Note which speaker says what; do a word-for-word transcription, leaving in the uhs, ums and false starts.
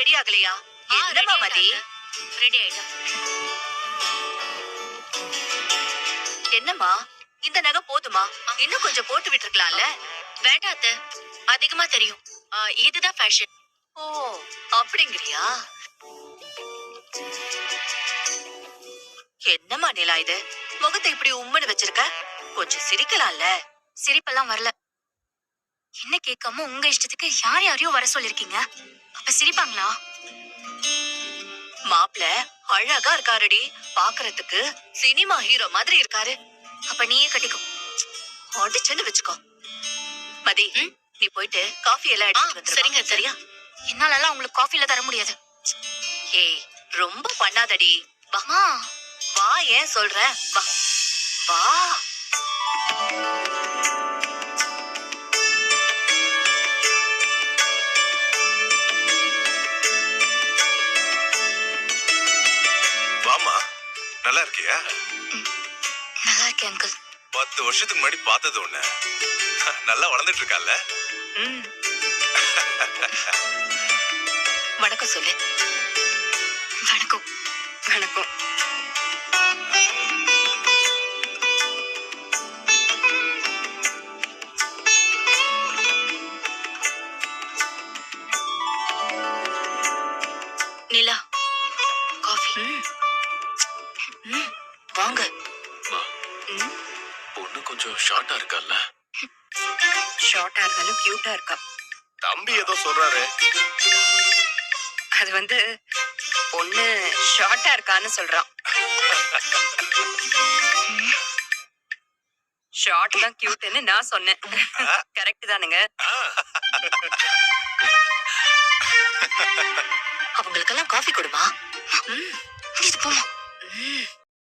Speaker 1: Ready ஆகலையா? என்னமா மதி?
Speaker 2: Ready ஆயிட்டா.
Speaker 1: என்னம்மா இந்த நகை போதுமா? இன்னும் கொஞ்சம் போட்டு விட்டுருக்கலாம்ல.
Speaker 2: வேண்டாம் அத்தை, அதிகமா தெரியும். இதுதான் ஃபேஷன்.
Speaker 1: ஓ அப்படிங்கிறியா? என்னம்மா நிலா இது? முகத்தை இப்படி உம்முன்னு வச்சிருக்க, கொஞ்சம் சிரிக்கலாம்ல.
Speaker 2: சிரிப்பெல்லாம் வரல. என்ன கேட்காம உங்க இஷ்டத்துக்கு யார் யாரையோ வர சொல்லிருக்கீங்க. அப்ப சிரிப்பாங்களா?
Speaker 1: மாப்பிள அழகா இருக்காருடி, பாக்குறதுக்கு சினிமா ஹீரோ மாதிரி இருக்காரு.
Speaker 2: அப்ப நீயே கட்டிக்கோ.
Speaker 1: அடிச்சுன்னு வச்சுக்கோ. மதி, நீ போயிட்டு காஃபி எல்லாம் எடுத்து வந்து.
Speaker 2: சரிங்க. சரியா? என்னால எல்லாம் உங்களுக்கு காஃபில தர முடியாது.
Speaker 1: ஏய் ரொம்ப பண்ணாதடி.
Speaker 2: வாமா.
Speaker 1: வா, ஏன் சொல்ற? வா வா.
Speaker 3: வாமா, நல்லா இருக்கியா?
Speaker 2: நல்லா இருக்கேன் அங்கிள்.
Speaker 3: பத்து வருஷத்துக்கு முன்னாடி பார்த்தது ஒண்ணு. நல்லா வளர்ந்துட்டு இருக்கால.
Speaker 1: வணக்கம் சொல்லு.
Speaker 2: வணக்கம்.
Speaker 1: வணக்கம்.
Speaker 2: நிலா, காஃபி.
Speaker 1: வாங்க.
Speaker 3: பொண்ணு கொஞ்சம் ஷார்ட்டா இருக்கால.
Speaker 1: ஷார்ட்டா இருந்தாலும் கியூட்டா இருக்கா.
Speaker 3: தம்பி ஏதோ சொல்றாரு.
Speaker 1: அது வந்து பொண்ணு ஷார்ட்டா இருக்கான்னு சொல்றான். ஷார்ட் தான் கியூட்னு நான் சொன்னேன். கரெக்ட் தானுங்க? அவங்களுக்கெல்லாம் காஃபி கொடுமா.
Speaker 2: இது போமா.